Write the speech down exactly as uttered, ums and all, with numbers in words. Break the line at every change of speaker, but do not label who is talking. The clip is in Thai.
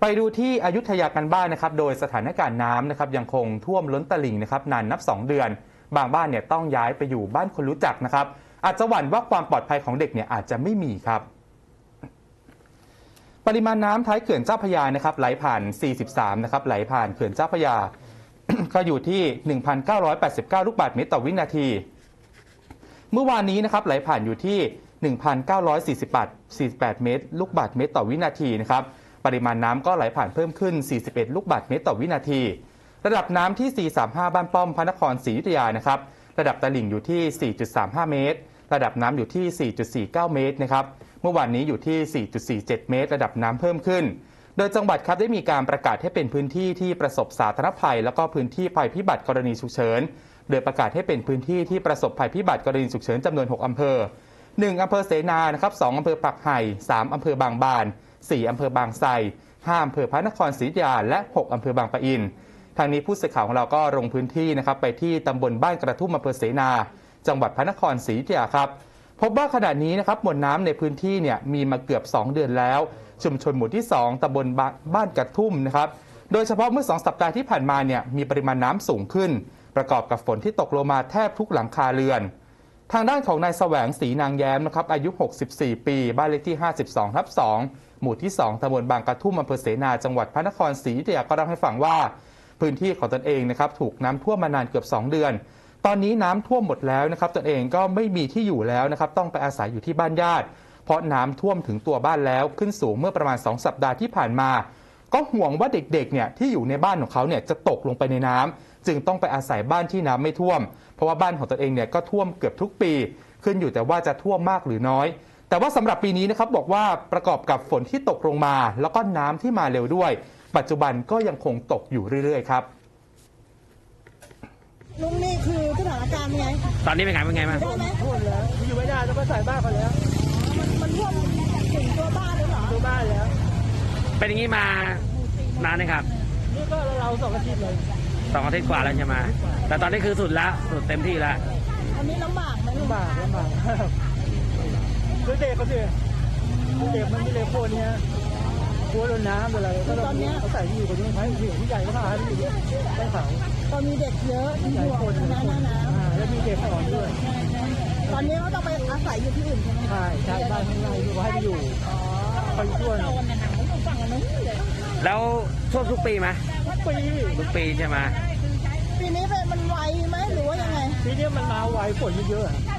ไปดูที่อยุธยากันบ้านนะครับโดยสถานการณ์น้ำนะครับยังคงท่วมล้นตลิ่งนะครับนานนับสองเดือนบางบ้านเนี่ยต้องย้ายไปอยู่บ้านคนรู้จักนะครับอาจจะหวั่นว่าความปลอดภัยของเด็กเนี่ยอาจจะไม่มีครับปริมาณน้ำท้ายเขื่อนเจ้าพระยานะครับไหลผ่านสี่สิบสามนะครับไหลผ่านเขื่อนเจ้าพระยา ก็อยู่ที่ หนึ่งพันเก้าร้อยแปดสิบเก้า ลูกบาศก์เมตรต่อวินาทีเมื่อวานนี้นะครับไหลผ่านอยู่ที่ หนึ่งพันเก้าร้อยสี่สิบแปด เมตรลูกบาศก์เมตรต่อวินาทีนะครับปริมาณน้ำก็ไหลผ่านเพิ่มขึ้นสี่สิบเอ็ดลูกบาศก์เมตรต่อวินาทีระดับน้ำที่สี่ร้อยสามสิบห้าบ้านป้อมพระนครศรีอยุธยานะครับระดับตลิ่งอยู่ที่ สี่จุดสามห้า เมตรระดับน้ำอยู่ที่ สี่จุดสี่เก้า เมตรนะครับเมื่อวานนี้อยู่ที่ สี่จุดสี่เจ็ด เมตรระดับน้ำเพิ่มขึ้นโดยจังหวัดครับได้มีการประกาศให้เป็นพื้นที่ที่ประสบสาธารณภัยแล้วก็พื้นที่ภัยพิบัติกรณีฉุกเฉินโดยประกาศให้เป็นพื้นที่ที่ประสบภัยพิบัติกรณีฉุกเฉินจำนวนหกอำเภอหนึ่งอำเภอเสนานะครับสองอำเภอปักไห่สามอำเภอบางบานสี่อำเภอบางไทรห้าอำเภอพระนครศรีอยุธยาและหกอำเภอบางปะอินทางนี้ผู้สื่อข่าวของเราก็ลงพื้นที่นะครับไปที่ตำบลบ้านกระทุ่มอำเภอเสนาจังหวัดพระนครศรีอยุธยาครับพบว่าขณะนี้นะครับมวลน้ำในพื้นที่เนี่ยมีมาเกือบสองเดือนแล้วชุมชนหมู่ที่สองตำบลบ้านกระทุ่มนะครับโดยเฉพาะเมื่อสองสัปดาห์ที่ผ่านมาเนี่ยมีปริมาณน้ำสูงขึ้นประกอบกับฝนที่ตกลงมาแทบทุกหลังคาเรือนทางด้านของนายแสวงศรีนางแย้มนะครับอายุหกสิบสี่ปีบ้านเลขที่ห้าสิบสองทับสองหมู่ที่สองตำบลบางกระทุ่มอำเภอเสนาจังหวัดพระนครศรีอยุธยาก็เล่าให้ฟังว่าพื้นที่ของตนเองนะครับถูกน้ำท่วมมานานเกือบสองเดือนตอนนี้น้ำท่วมหมดแล้วนะครับตนเองก็ไม่มีที่อยู่แล้วนะครับต้องไปอาศัยอยู่ที่บ้านญาติเพราะน้ำท่วมถึงตัวบ้านแล้วขึ้นสูงเมื่อประมาณสองสัปดาห์ที่ผ่านมาก็ห่วงว่าเด็กๆเนี่ยที่อยู่ในบ้านของเขาเนี่ยจะตกลงไปในน้ำจึงต้องไปอาศัยบ้านที่น้ำไม่ท่วมเพราะว่าบ้านของตนเองเนี่ยก็ท่วมเกือบทุกปีขึ้นอยู่แต่ว่าจะท่วมมากหรือน้อยแต่ว่าสำหรับปีนี้นะครับบอกว่าประกอบกับฝนที่ตกลงมาแล้วก็น้ำที่มาเร็วด้วยปัจจุบันก็ยังคงตกอยู่เรื่อยๆครับ
ลุงนี่คือสถานการณ์ไง
ตอนนี้เป็นไงเป็นไงบ้าง
ได้ไหม
ท่วมแล้วอยู่ไม่ได้ต้องไปใส่บ้านเขาแล้ว
มันมันท่วมถึงตัวบ้านหรือเปล่า
ตัวบ้านแล้ว
เป็นอย่างนี้มานานไหมครับ
นี่ก็เราสองอาทิตย์เลย
สองอาทิตย์กว่าแล้วใช่ไหมแต่ตอนนี้คือสุดแล้วสุดเต็มที่แล้ว
อันนี้ลำบากไหม
ลำบากลำบากด้วยเด็กเขาสิเด็กมันไม่เลยโคนเนี้ยกลัวโดนน้ำอะไรก็ตอนนี้เขาใส่ที่อยู่กับนี้ให้ผู้ผู้ใหญ่ก็พาให้อยู่ได้เขา
ตอนมีเด็กเยอะมีห่วงน้ำน้ำ
แล้วมีเด็กสอนด้วย
ตอนนี้เขาต้องไปอาศัยอยู่ที่อื่นใช่ไหม
ใช่ใช่บ้านข้างในอยู่ให้ไปอยู่ไปช่วย
แล้วท่วมทุกปีไหม
ทุกปี
ทุกปีใช่ไหม
ปีนี้เป็นมันไวไหมหรือว่ายังไง
ปีนี้มันมาไวฝนเยอะ